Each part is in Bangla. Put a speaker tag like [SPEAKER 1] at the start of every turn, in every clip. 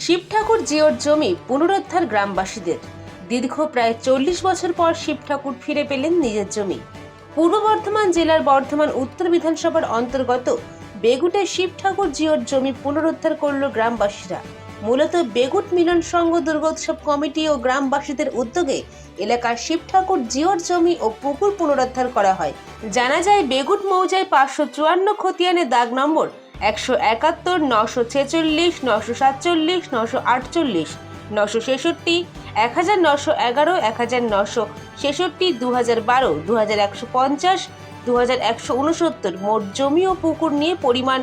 [SPEAKER 1] শিব ঠাকুর জিওর জমি পুনরুদ্ধার গ্রামবাসীদের। দীর্ঘ প্রায় 40 বছর পর শিব ঠাকুর ফিরে পেলেন নিজের জমি। পূর্ব বর্ধমান জেলার বর্ধমান উত্তর বিধানসভার অন্তর্গত বেগুটে শিব ঠাকুর জিওর জমি পুনরুদ্ধার করল গ্রামবাসীরা। মূলত বেগুট মিলন সংঘ দুর্গোৎসব কমিটি ও গ্রামবাসীদের উদ্যোগে এলাকার শিব ঠাকুর জিওর জমি ও পুকুর পুনরুদ্ধার করা হয়। জানা যায়, বেগুট মৌজায় 554 খতিয়ানে দাগ নম্বর 171, 946, 947, 948, 966, 1911, 1966, 2012, 2150, 2169 মোট জমি ও পুকুর নিয়ে পরিমাণ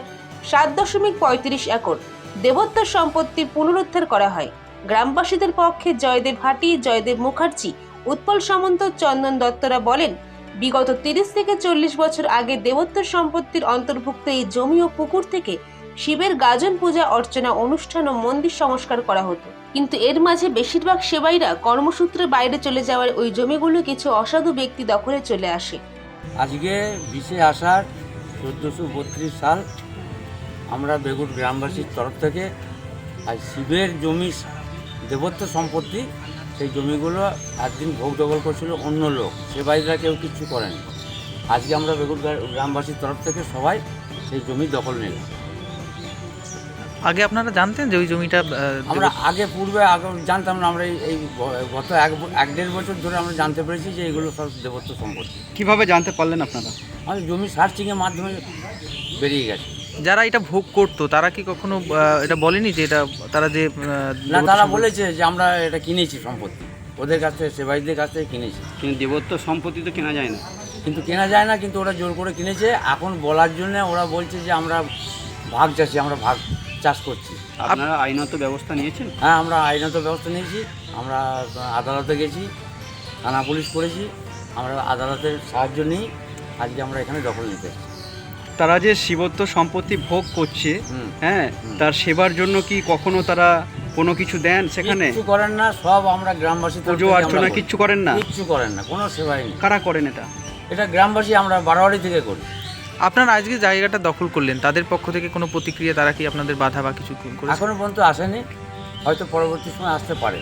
[SPEAKER 1] 7.35 একর দেবত্ব সম্পত্তি পুনরুদ্ধার করা হয়। গ্রামবাসীদের পক্ষে জয়দেব ভাটি, জয়দেব মুখার্জি, উৎপল সামন্ত, চন্দন দত্তরা বলেন, বিগত 30 থেকে 40 বছর আগে দেবত্ব সম্পত্তির অন্তর্ভুক্ত এই জমি ও পুকুর থেকে শিবের গাজন পূজা অর্চনা অনুষ্ঠান ও মন্দির সংস্কার করা হতো। কিন্তু এর মাঝে বেশিরভাগ সেবাইরা কর্মসূত্রে বাইরে চলে যাওয়ার ওই জমিগুলো কিছু অসাধু ব্যক্তি দখলে চলে আসে।
[SPEAKER 2] আজকে 20 আষাঢ় 1432 সাল আমরা বেগুট গ্রামবাসীর তরফ থেকে আর শিবের জমি দেবত্ব সম্পত্তি, সেই জমিগুলো একদিন ভোগ দখল করছিল অন্য লোক, সেবাইরা কেউ কিচ্ছু করেনি। আজকে আমরা বেগুট গ্রামবাসীর তরফ থেকে সবাই সেই জমি দখল নিলাম।
[SPEAKER 3] আগে আপনারা জানতেন যে ওই জমিটা
[SPEAKER 2] আমরা আগে জানতাম না। আমরা এই গত 1-1.5 বছর ধরে আমরা জানতে পেরেছি যে এগুলো সব দেবত্ব সম্পত্তি।
[SPEAKER 3] কিভাবে জানতে পারলেন আপনারা?
[SPEAKER 2] আমাদের জমি সার্চিংয়ের মাধ্যমে বেরিয়ে গেছে।
[SPEAKER 3] যারা এটা ভোগ করতো তারা কি কখনো এটা বলেনি যে এটা তারা যে
[SPEAKER 2] না, তারা বলেছে যে আমরা এটা কিনেছি সম্পত্তি, ওদের কাছ থেকে, সেবাইদের কাছ থেকে কিনেছি।
[SPEAKER 4] কিন্তু দেবত্ব সম্পত্তি তো কেনা যায় না।
[SPEAKER 2] কিন্তু ওরা জোর করে কিনেছে। এখন বলার জন্য ওরা বলছে যে আমরা ভাগ চাষি, আমরা ভাগ চাষ করছি।
[SPEAKER 4] আপনারা আইনত ব্যবস্থা নিয়েছেন?
[SPEAKER 2] হ্যাঁ, আমরা আইনত ব্যবস্থা নিয়েছি। আমরা আদালতে গেছি, থানা পুলিশ করেছি। আমরা আদালতের সাহায্য নিই, আজকে আমরা এখানে দখল নিতে এসেছি।
[SPEAKER 4] তারা যে শিবত্ব সম্পত্তি ভোগ করছে, হ্যাঁ, তার সেবার জন্য কি কখনো তারা কোনো কিছু দেন? সেখানে
[SPEAKER 2] কিছু করেন না, সব আমরা গ্রামবাসী।
[SPEAKER 4] পুজো অর্চনা কিচ্ছু করেন না?
[SPEAKER 2] কিচ্ছু করেন না, কোনো সেবাই নেই।
[SPEAKER 4] কারা করেন এটা?
[SPEAKER 2] এটা গ্রামবাসী, আমরা বারোয়ারি থেকে করি।
[SPEAKER 3] আপনারা আজকে জায়গাটা দখল করলেন, তাদের পক্ষ থেকে কোনো প্রতিক্রিয়া, তারা কি আপনাদের বাধা বা কিছু করেছে?
[SPEAKER 2] এখনো পর্যন্ত আসেনি, হয়তো পরবর্তী সময় আসতে পারে।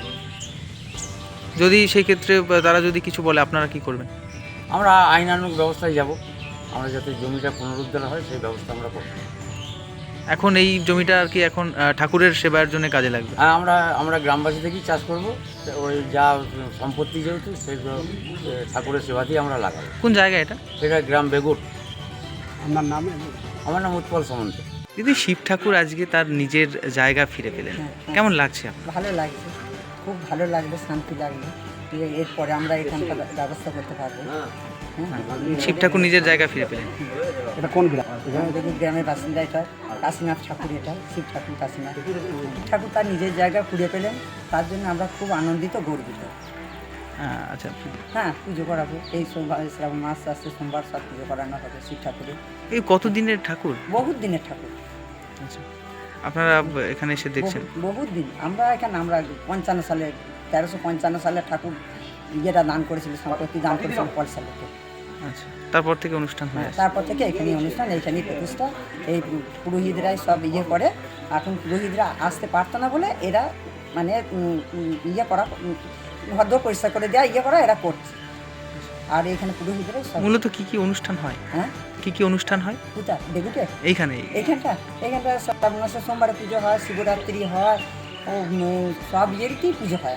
[SPEAKER 3] যদি সেই ক্ষেত্রে তারা যদি কিছু বলে, আপনারা কি করবেন?
[SPEAKER 2] আমরা আইনানুগ ব্যবস্থায় যাব। আমরা যাতে জমিটা পুনরুদ্ধার হয় সেই ব্যবস্থা আমরা করব।
[SPEAKER 3] এখন এই জমিটা আর কি এখন ঠাকুরের সেবার জন্য কাজে লাগবে?
[SPEAKER 2] হ্যাঁ, আমরা গ্রামবাসী থেকেই চাষ করব। ওই যা সম্পত্তি যেহেতু সেগুলো ঠাকুরের সেবাতেই আমরা লাগাবো।
[SPEAKER 3] কোন জায়গা এটা?
[SPEAKER 2] সেটা গ্রাম বেগুট।
[SPEAKER 4] আপনার নাম?
[SPEAKER 2] আমার নাম উৎপল সামন্ত।
[SPEAKER 3] দিদি, শিব ঠাকুর আজকে তার নিজের জায়গা ফিরে পেলেন, কেমন লাগছে আপনার?
[SPEAKER 5] ভালো লাগছে, খুব ভালো লাগবে, শান্তি লাগবে। এরপরে আমরা এখানকার ব্যবস্থা করতে পারবো।
[SPEAKER 3] শিব ঠাকুর নিজের জায়গা ফিরে পেলেন।
[SPEAKER 4] এটা কোন গ্রাম?
[SPEAKER 5] দেখুন, গ্রামের বাসিন্দা এটা কাশীনাথ ঠাকুর, এটা শিব ঠাকুর কাশীনাথ ঠাকুর তার নিজের জায়গা ফিরে পেলেন। তার জন্য আমরা খুব আনন্দিত, গর্বিত।
[SPEAKER 3] আচ্ছা,
[SPEAKER 5] হ্যাঁ, পুজো করাবো। এই সোমবার, শ্রাবণ মাস আসছে, সোমবার সব পুজো করানো হবে শিব ঠাকুরের।
[SPEAKER 3] এই কতদিনের ঠাকুর?
[SPEAKER 5] বহুত দিনের ঠাকুর।
[SPEAKER 3] আচ্ছা, আপনারা এখানে এসে দেখছেন?
[SPEAKER 5] বহুত দিন। আমরা 55 সালে, 1355 সালে ঠাকুর ইয়েটা দান করেছিল, সম্পত্তি দান করেছিল পয়সা লোকে।
[SPEAKER 3] আচ্ছা, তারপর থেকে অনুষ্ঠান হয়?
[SPEAKER 5] তারপর থেকে এখানে অনুষ্ঠান, এইখানেই প্রতিষ্ঠা। এই পুরোহিতরাই সব ইয়ে করে। এখন পুরোহিতরা আসতে পারতো না বলে এরা মানে ইয়ে করা, ভদ্র পরিষ্কার করে দেওয়া, ইয়ে করা এরা করছে। আর এখানে পুরোহিতরাই সব।
[SPEAKER 3] মূলত কি কি অনুষ্ঠান হয়?
[SPEAKER 5] হ্যাঁ,
[SPEAKER 3] কি অনুষ্ঠান হয়?
[SPEAKER 5] কোথায়? বেগুটে
[SPEAKER 3] এইখানটা
[SPEAKER 5] শ্রাবণ মাসে সোমবারে পুজো হয়, শিবরাত্রি হয়, ও সব ইয়েরই পুজো হয়।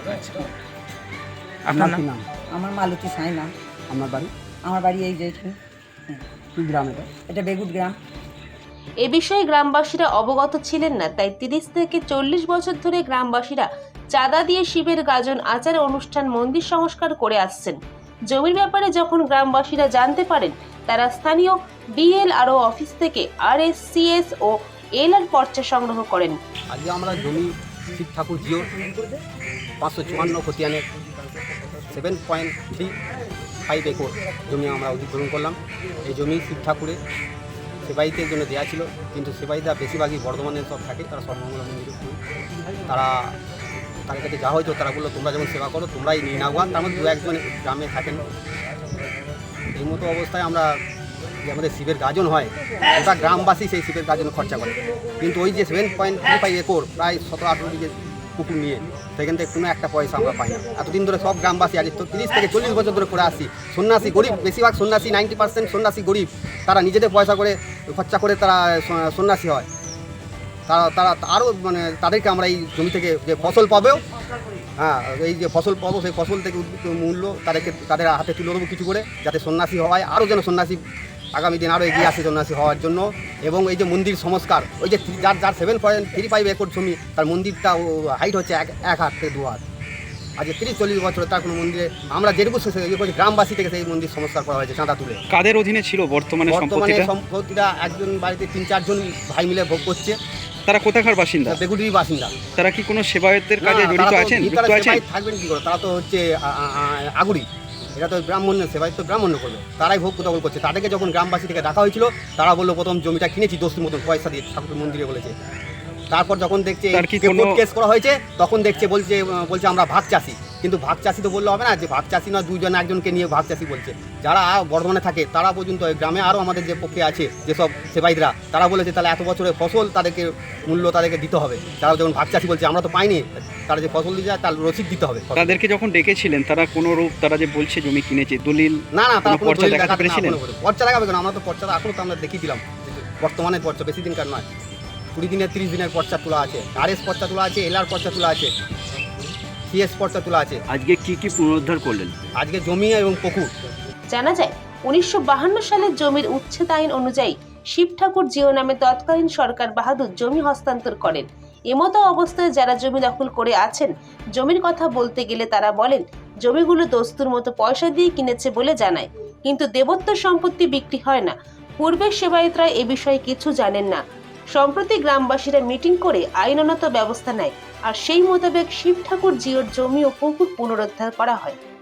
[SPEAKER 3] আপনার
[SPEAKER 4] নাম?
[SPEAKER 5] আমার মালতী সাঁই নাম। আমার বাড়ি এই যে এখানে।
[SPEAKER 4] কি গ্রাম এটা?
[SPEAKER 5] এটা বেগুট গ্রাম।
[SPEAKER 1] এ বিষয়ে গ্রামবাসীরা অবগত ছিলেন না, তাই 30 থেকে 40 বছর ধরে গ্রামবাসীরা চাঁদা দিয়ে শিবের গাজন, আচার অনুষ্ঠান, মন্দির সংস্কার করে আসছেন। জমির ব্যাপারে যখন গ্রামবাসীরা জানতে পারেন, তারা স্থানীয় BLRO অফিস থেকে RSCS ও LR পর্চা সংগ্রহ করেন।
[SPEAKER 6] আজকে আমরা জমি শিব ঠাকুর জিও 554 খতিয়ানের 7.35 একর জমি আমরা অধিগ্রহণ করলাম। এই জমি শিব ঠাকুরের সেবাইতের জন্য দেওয়া ছিল, কিন্তু সেবাইরা বেশিরভাগই বর্ধমানে সব থাকে, তারা সর্বমঙ্গলা মন্দিরে তাদের কাছে যা হয়তো তারা বললো তোমরা যেমন সেবা করো তোমরাই নিয়ে নাও। তার মধ্যে 2-1 জন গ্রামে থাকেন। এই মতো অবস্থায় আমরা যে আমাদের শিবের গাজন হয় ওটা গ্রামবাসী সেই শিবের গাজন খরচা করে, কিন্তু ওই যে 7.35 একর প্রায় 17-18 বিঘে পুকুর নিয়ে সেখান থেকে কোনো একটা পয়সা আমরা পাই না। এতদিন ধরে সব গ্রামবাসী আজ 30 থেকে 40 বছর ধরে করে আসছি, সন্ন্যাসী গরিব, বেশিরভাগ সন্ন্যাসী 90% সন্ন্যাসী গরিব, তারা নিজেদের পয়সা করে খরচা করে তারা সন্ন্যাসী হয়। তারা আরও মানে তাদেরকে আমরা এই জমি থেকে যে ফসল পাবেও, হ্যাঁ এই যে ফসল পাবো সেই ফসল থেকে মূল্য তাদের হাতে তুলে দেবো কিছু করে, যাতে সন্ন্যাসী হয়, আরও যেন সন্ন্যাসী আগামী দিন আরও এগিয়ে আসে সন্ন্যাসী হওয়ার জন্য। এবং এই যে মন্দির সংস্কার, ওই যে যার 7.35 একর জমি, তার মন্দিরটা হাইট হচ্ছে 1 হাত থেকে 2 হাত। আজ 30-40 বছরে তার কোনো মন্দিরে আমরা যেটুকু ইয়ে করছি গ্রামবাসী থেকে সেই মন্দির সংস্কার করা হয়েছে চাঁদা তুলে।
[SPEAKER 4] কাদের অধীনে ছিল বর্তমানে সম্পত্তিটা?
[SPEAKER 6] সম্পত্তিটা একজন বাড়িতে 3-4 জন ভাই মিলে ভোগ করছে।
[SPEAKER 4] তারা কোথাকার বাসিন্দা?
[SPEAKER 6] বেগুটির বাসিন্দা।
[SPEAKER 4] তারা কি কোনো সেবায়তের কাজে জড়িত আছেন? যুক্ত আছেন?
[SPEAKER 6] থাকবেন কি করে, তারা তো হচ্ছে আগুরি, এটা তো ব্রাহ্মণের সেবায় তো ব্রাহ্মণ্য করবে, তারাই ভোগ দখল করছে। তাদেরকে যখন গ্রামবাসী থেকে ডাকা হয়েছিল তারা বললো প্রথম জমিটা কিনেছি দোস্তির মতন পয়সা দিয়ে ঠাকুর মন্দিরে বলেছে। তারপর যখন দেখছে কেস করা হয়েছে তখন দেখছে বলছে আমরা ভাগ চাষি, কিন্তু ভাগ চাষি তো বললে হবে না, যে ভাগ চাষি না দুজন একজনকে নিয়ে ভাগ চাষি বলছে। যারা বর্ধমানে থাকে তারা পর্যন্ত গ্রামে আরও আমাদের যে পক্ষে আছে যেসব সেবাইদরা, তারা বলেছে তাহলে এত বছরের ফসল তাদেরকে মূল্য তাদেরকে দিতে হবে। তারা যখন ভাগ চাষি বলছে আমরা তো পাইনি, তারা যে ফসল দিয়ে যায় তার রসিদ দিতে হবে।
[SPEAKER 4] তাদেরকে যখন ডেকেছিলেন তারা কোনো রূপ, তারা যে বলছে জমি কিনেছে, দলিল
[SPEAKER 6] না তারা
[SPEAKER 4] কোনো পর্চা দেখাতে পেরেছিলেন?
[SPEAKER 6] পর্চা দেখাবে কেন, আমরা তো পর্চা এখনও তো আমরা দেখিয়ে দিলাম। বর্তমানে পর্চা বেশি দিনকার নয়, 20 দিনের 30 দিনের পর্চা তোলা আছে, RS পর্চা তোলা আছে, LR পর্চা তোলা আছে, CS পর্চা তোলা আছে।
[SPEAKER 4] আজকে কি পুনরুদ্ধার করলেন?
[SPEAKER 6] আজকে জমি এবং পুকুর।
[SPEAKER 1] জানা যায় 1952 সালের জমির উচ্ছেদ আইন অনুযায়ী শিব ঠাকুর জিও নামে তৎকালীন সরকার বাহাদুর জমি হস্তান্তর করেন। এমতো অবস্থায় যারা জমি দখল করে আছেন, জমির কথা বলতে গেলে তারা বলেন জমিগুলো দস্তুর মতো পয়সা দিয়ে কিনেছে বলে জানায়, কিন্তু দেবত্ব সম্পত্তি বিক্রি হয় না। পূর্বের সেবায়েতরা এ বিষয়ে কিছু জানেন না। সম্প্রতি গ্রামবাসীরা মিটিং করে আইনানুগ ব্যবস্থা নেয়, আর সেই মোতাবেক শিব ঠাকুর জিওর জমি ও পুকুর পুনরুদ্ধার করা হয়।